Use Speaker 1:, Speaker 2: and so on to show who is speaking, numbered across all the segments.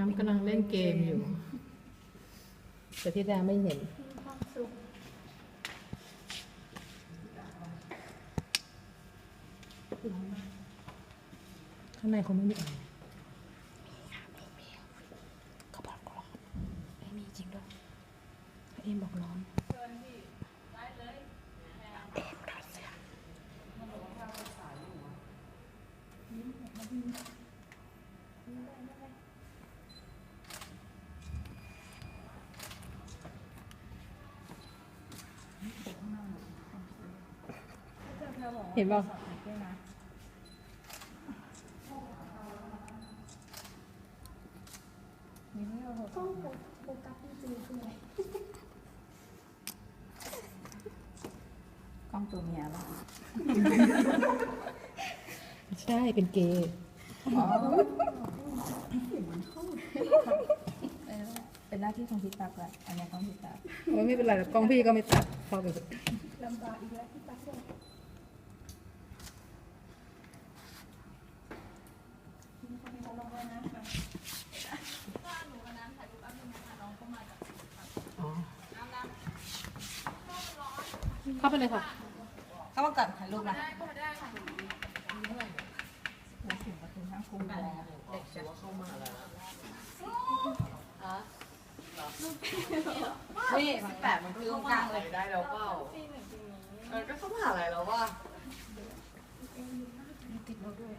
Speaker 1: ำกำลังเล่นเกมอยู่แต่ที่ดาไม่เห็นข้างในคงไม่มีอะไรเขาบอกร้อนไม่มีจริงด้วยเอ็มบอกร้อนเอ็มร้อนเสียเห็นป่ะ
Speaker 2: โฟกัสจริงๆคืออะไรกล้องตัวเมียป่ะ
Speaker 1: ใช่เป็นเกย์
Speaker 2: เป็นหน้าที่ของพี่ตักแหละอันนี้ของพี่ตัก
Speaker 1: ไม่เป็นไรกล้องพี่ก็ไม่ตัดเข้าไป
Speaker 2: ลำบากอีกแล้วพี่ตักเลย
Speaker 1: เข้าไปเลยค่ะ
Speaker 2: เข้ามาก่อนถ่ายรูปนะแล้วถึงประตูห้างคุ้มแล้วเด็กจะเข้ามาแล้วนี่18มันคือตรงกลางเลย
Speaker 3: ได้แล้วเปล่าก็เข้ามาหาอะไรแล้วว่า
Speaker 2: ติดเราด้วย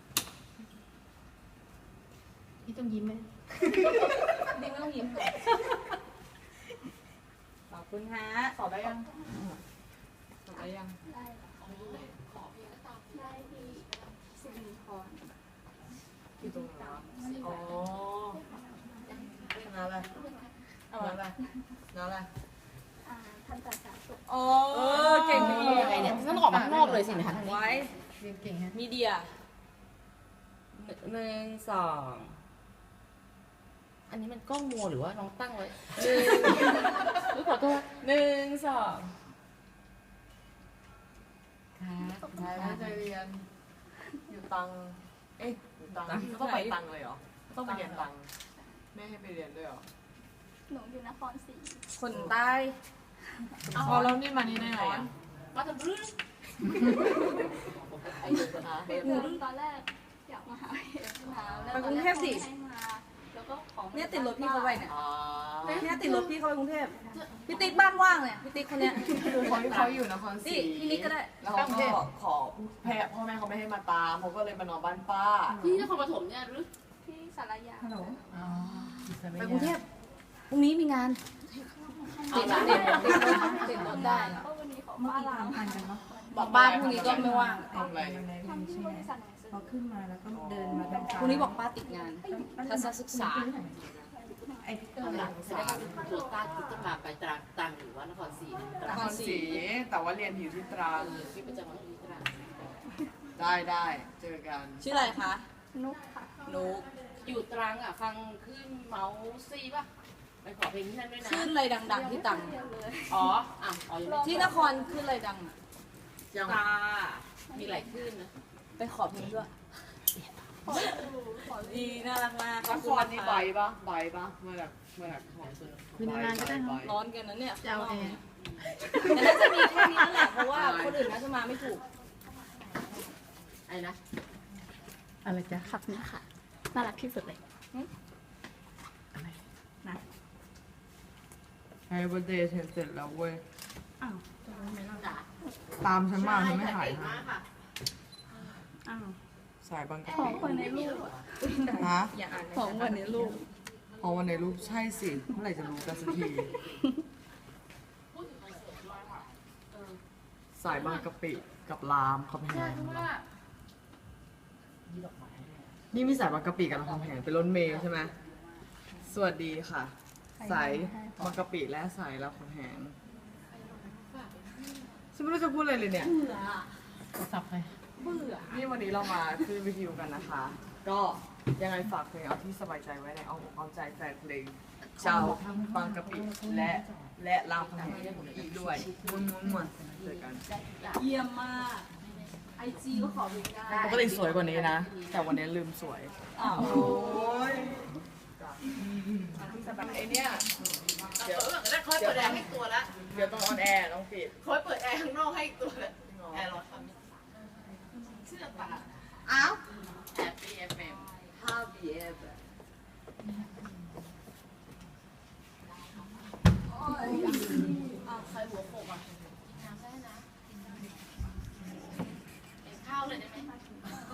Speaker 1: พี่ต้องยิ้มไหม
Speaker 2: นี่ไม่ต้องยิ้มขอบคุณฮะ
Speaker 3: สอบได้ยังสอบได้ยัง
Speaker 2: ได้ที่สิริพร
Speaker 3: อยู่ตรงไหนอ๋อน้าอะไรน้าอะไรน้าอะไร
Speaker 2: ทันตศาสตร์สุข
Speaker 3: โอ้เก่งดี
Speaker 1: อะไรเนี่ยต้องออกมาข้างนอกเลยสินะคะ
Speaker 3: ไว้
Speaker 1: เรียนเก่งฮะ
Speaker 3: มีเดีย1 2
Speaker 1: อันนี้มันกล้องมัวหรือว่าน้องตั้งไว้
Speaker 3: ขอโทษ1 2ค่ะใจเรียนอยู่ตังอยู่ตังต้องไปตังเลยเหรอต้องไปเรียนตังแม่ให้ไปเรียนด้วยเหรอ
Speaker 2: หนูอยู่นครศรี
Speaker 3: คนใต้พอแล้วนี่มานี่ได้ไงอ่ะ
Speaker 1: มาทำรื้อ
Speaker 2: ตอนแรกอยากมาหาแล้ว
Speaker 3: ไปกรุงเทพสิ
Speaker 2: แล้วก็ของ
Speaker 3: เนี่ยติดรถพี่เขาไปเนี่ยเนี่ยติดรถพี่เขาไปกรุงเทพพี่ติ๊กบ้านว่างเนี่ยพี่ติ๊กคนเนี้ยเขาอยู่นครศรีพี่นิกก็ได้แล้วเขาก็ขอพ่อแม่เขาไม่ให้มาตามเขาก็เลยมานอนบ้านป้า
Speaker 1: พี่นครปฐมเนี่ยหรือ
Speaker 2: ที่สารยา
Speaker 3: ฮัลโหล
Speaker 1: ไปกรุงเทพ
Speaker 3: พรุ่งนี้มีงาน
Speaker 2: ติดรถได้ก็วันนี้ขอบ้านล้างพันกัน
Speaker 3: บอกป้าพรุ่งนี้ก็ไม่ว่างทำอะไร
Speaker 2: ทำที่บริษัทหนังสือ
Speaker 4: พอขึ้นมาแล้วก็เดินมาทาง
Speaker 3: พรุ่งนี้บอกป้าติดงานทัศนศึกษา
Speaker 4: ไอ้เตอ
Speaker 1: เอา
Speaker 4: ร์
Speaker 1: หลังแสดงว่าโควต้าคือต้องมาไปตรังหรือว่านครศรีต
Speaker 3: น
Speaker 1: รัง
Speaker 3: ครศรีแต่ว่าเรียนอยู่ที่ตรัง
Speaker 1: พี่ประจำวันที่ตรัง
Speaker 3: ได้เจอกัน
Speaker 5: ชื่ออะไรคะ
Speaker 2: นุกค่ะ
Speaker 5: นุก
Speaker 1: อยู่ตรังอ่ะฟังขึ้นเมาซีป่ะไปขอเพลงที่นั่นด้วยนะ
Speaker 5: ขึ้นอะไรดังๆที่ตัง
Speaker 2: เดียวเลย
Speaker 1: อ๋อยังไม่
Speaker 5: ที่นครขึ้นอะไรดังอะ
Speaker 3: ยัง
Speaker 1: ตามีหลายขึ้นนะ
Speaker 5: ไปขอเพลงด้วย ดีน่ารักมาก
Speaker 3: นครนี่ใบปะมาจากของสุนทร
Speaker 1: มีนานๆก็ได้
Speaker 5: ร้อนกันนะเนี่ย
Speaker 1: จะเอาแอร์
Speaker 5: แต่น่าจะมีแค่นี้นั่นแหละเพราะว่าคนอื่นน่าจะมาไม่ถูก
Speaker 1: อะไรนะอะไรจ๊ะ
Speaker 2: ขับนี่ค่ะน่ารักที่สุดเลย
Speaker 3: ไฮเบอร์เดย์เสร็จแล้วเว้ย
Speaker 1: จ๋า
Speaker 3: ตามฉันมาฉันไม่ถ่าย
Speaker 1: เก่ง
Speaker 3: ให้
Speaker 1: มากค่ะ
Speaker 3: สายบางกะ
Speaker 2: ขอ
Speaker 3: ปิ
Speaker 2: คนในรูป
Speaker 3: ฮะ
Speaker 2: ของวันในรูป
Speaker 3: พอวันในรูปใช่สิเมื่อไหร่จะรู้กันสักทีสายบางกะปิกับรามคำแหงนี่มีสายบางกะปิกับรามคำแหงเป็นรถเมล์ใช่ไหมสวัสดีค่ะ สายบางกะปิและสายรามคำแหงฉันไม่รู้จะพูดอะไรเลยเนี่ย
Speaker 1: สับไป
Speaker 3: นี่วันนี้เรามาขึ้นวิทยุกันนะคะ ก็ยังไงฝากเพลงเอาที่สบายใจไว้ในเอาอกเอาใจแฟนเพลงชาวบางกะปิและรามคำแหงอีกด้วยม้วนๆเจอกัน
Speaker 5: เยี่ยมมาก ไอจีก็ขอดูได้
Speaker 3: ปกติสวยกว่านี้นะ แต่วันนี้ลืมสวย
Speaker 5: อ้าว
Speaker 3: โอ้ยไอเนี้ยเดี๋ยว
Speaker 5: คอยเปิดแอร์ให้ตัวละ
Speaker 3: เดี๋ยวต้องออนแอร์ต้องปิด
Speaker 5: คอยเปิดแอร์ข้างนอกให้ตัวละแอร์ร้อนเชื่อปะ
Speaker 3: อ้าว
Speaker 5: Happy FM
Speaker 3: 5 PM
Speaker 5: ใครหัวโขกอ่ะกินน้ำได้นะเอ็นข้าวเลยได้ไหม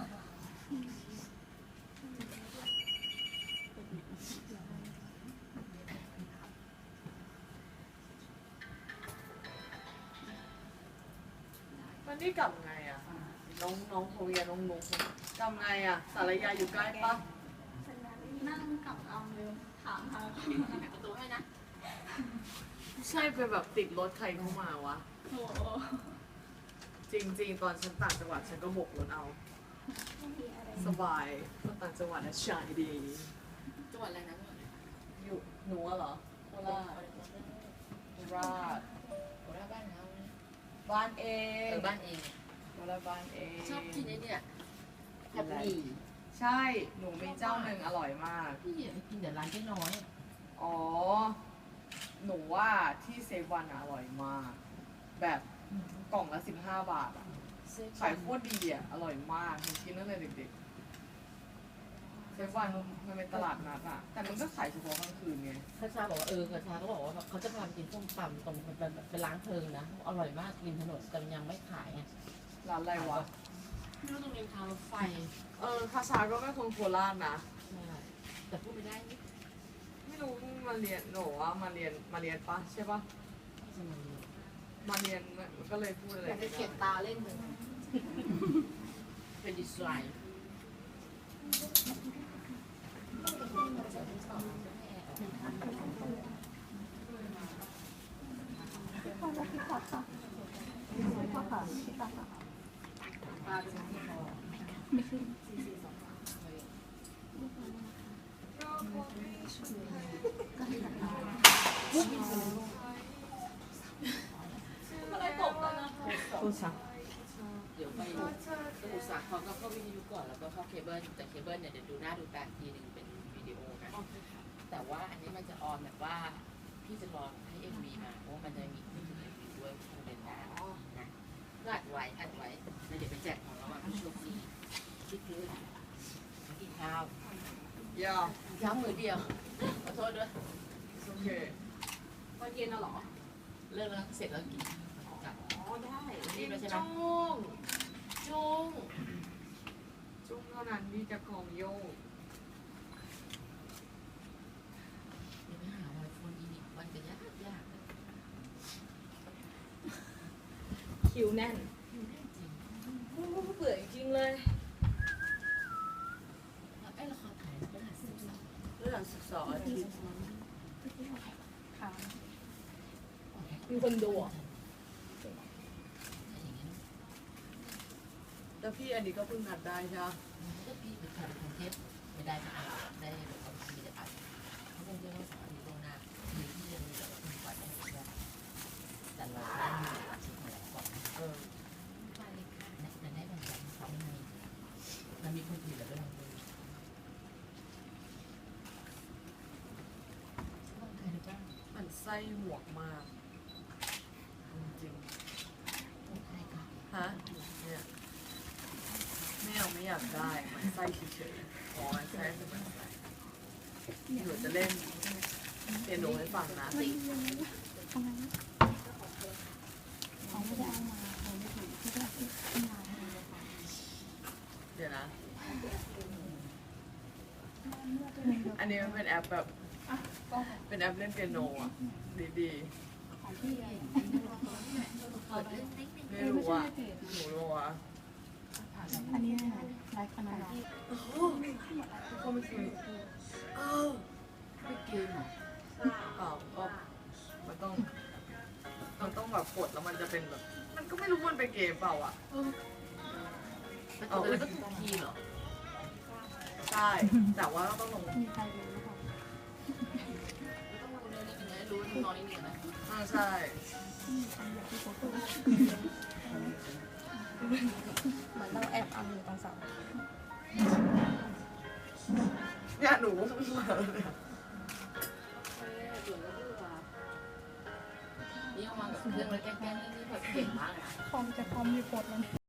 Speaker 3: มันนี่กลับไงอ่ะ น้องโคเรียน้องนุ๊กกลับไงอ่ะ สารยาอยู่ใกล้ปะ
Speaker 2: นั่งกับเอาเร็วถามทาง
Speaker 5: ประตูให้นะ
Speaker 3: ใช่ไปแบบติดรถใครเข้ามาวะ
Speaker 2: โอ้โห
Speaker 3: จริงๆ ตอนฉันต่างจังหวัดฉันก็บกรถเอา สบายก็ต่างจังหวัดนะชายดี
Speaker 5: จังหวัดอะไรนะ
Speaker 3: อยู่หนูอะเหรอโคราชโคราช
Speaker 5: โคราชบ้านเราเนี่ย
Speaker 3: บ้านเอง
Speaker 5: บ้านเอง
Speaker 3: โคราชบ้านเอง
Speaker 5: ชอบกินไอ้เนี่ยผัดหมี่
Speaker 3: ใช่ หนูมีเจ้าหนึ่งอร่อยมาก
Speaker 5: พี่กินแต่ร้านเจ๊น้อย
Speaker 3: อ๋อ หนูว่าที่เซฟวันอะอร่อยมาก แบบกล่องละ15 บาทอะขายโคตรดีอะอร่อยมากหนูกินตั้งแต่เด็กๆเซฟวันมันเป็นตลาดนัดอะแต่มันก็ขายเฉพาะกลางคืนไง
Speaker 6: คาชาบอกว่ากาชาก็บอกว่าเขาจะพาไปกินส้มตำตรงเป็นร้านเพลิงนะอร่อยมากริมถนนแต่มันยังไม่ขายไง
Speaker 3: ร้านอะไรวะ
Speaker 5: ไม่รู้ตรงริมทางรถไฟ
Speaker 3: คาชาก็เป็นคนโคราชนะ
Speaker 6: ใช่แต่พูดไม่ได้นี่
Speaker 3: ไม่รู้มาเรียนหนูว่ามาเรียนปะใช่ปะ
Speaker 6: จะมัน
Speaker 3: มาเรียนมันก็เลยพูดอะไร
Speaker 5: อยากจะเก็บตาเล่นเลย
Speaker 6: เป็นดีไซน์
Speaker 5: อะไรตกแล้วนะ
Speaker 3: พูดชัก
Speaker 6: เดี๋ยวไปสมุทรสาครก็เข้าวิทยุก่อนแล้วก็เข้าเคเบิลแต่เคเบิลเนี่ยเดี๋ยวดูหน้าดูตาทีหนึ่งเป็นวิดีโอนะแต่ว่าอันนี้มันจะออนแบบว่าพี่จะรอให้เอ็มวีมาเพราะว่ามันจะมีขึ้นเอ็มวีด้วยคุณเดินทางนะก็อัดไว้แล้วเดี๋ยวไปแจกของรางวัลผู้โชคดีที่คือกินข้าว
Speaker 3: ย่า
Speaker 6: ย้ำมือเดียวขอโทษด้วย
Speaker 3: โอเค
Speaker 5: ตอนเย็นน่ะเหรอ
Speaker 6: เลิกแล้วเสร็จแล้วกินกลับ
Speaker 5: อ๋อได้
Speaker 6: รีบแล้วใช่ไหม
Speaker 5: จุ้ง
Speaker 3: จุ้งเท่านั้นที่จะของโยก
Speaker 6: เดี๋ยวไปหาวันโฟนอีกวันจะยาก
Speaker 5: คิวแน่น
Speaker 6: จริง
Speaker 5: เบื่อจริงเลย
Speaker 6: แล้วไอ้ละครไทยก็หาซื้อสอง
Speaker 3: เรื่อง12 อาทิตย์
Speaker 5: มีคนดูอ่ะ
Speaker 6: อย่างนี้
Speaker 3: แล้วพี่อันนี้ก็เพิ่งนัดได้ใช่ไหม
Speaker 6: ก็พี่ไปถ่ายกรุงเทพไม่ได้ก็อ่านได้แบบเอาไปจะอ่านเขาคงจะต้องสอนอยู่ตรงหน้ามีที่จะมีแบบคุณก่อนได้แต่เราได้มีชิ้นอะไรก่อน มาเลยค่ะแต่ได้บางอย่างเขาไม่มีมันมีคนอื่นแล้วด้วยต้องใครหรือเปล่า
Speaker 3: มันไส้หมวกมาก จริง
Speaker 6: ต้องใครค่ะ
Speaker 3: ๆฮะเนี่ยไม่อยากได้มันไส้เฉยๆอ๋อมันไส้คือมันไส้หนูจะเล่นเปียโนให้ฟังนะ
Speaker 2: เขาไม่ได้เอามาเขาไม่ถึงที่จะขึ้นมา
Speaker 3: เดี๋ยวนะ อันนี้มันเป็นแอปแบบ เป็นแอปเล่นเปียโนอ่ะ ดี
Speaker 2: ของพี่ไง
Speaker 6: ขอเล่นนิดนึง
Speaker 3: ๆ ไม่รู้อ่ะ หนูรู้อ่ะ
Speaker 2: อันนี้ไลฟ์คณะ
Speaker 3: ก็ไม่คือ
Speaker 6: ไม่เกมหรอ
Speaker 3: เปล่าก็มันต้องแบบกดแล้วมันจะเป็นแบบ มันก็ไม่รู้มันเป็นเกมเปล่าอ่ะ
Speaker 6: แล้วก็ถูกทีเหรอ
Speaker 3: ใช่ แต่ว่าต้องลง
Speaker 2: มีใครรู้หรือเปล่า
Speaker 6: ต้องรู้เรื่องนี้เป็นไงรู้น้อยนิดนึงนะ
Speaker 3: ใช่
Speaker 2: เหมือนเราแอบเอาอยู่ตรงเสา
Speaker 3: เนี่ยหนูก็เพิ่งมาเลย
Speaker 6: เครื่องแล้วแกล้งๆนี่แบบเก่งมากเลยนะ
Speaker 2: คอมจะคอมรีพอร์ตมัน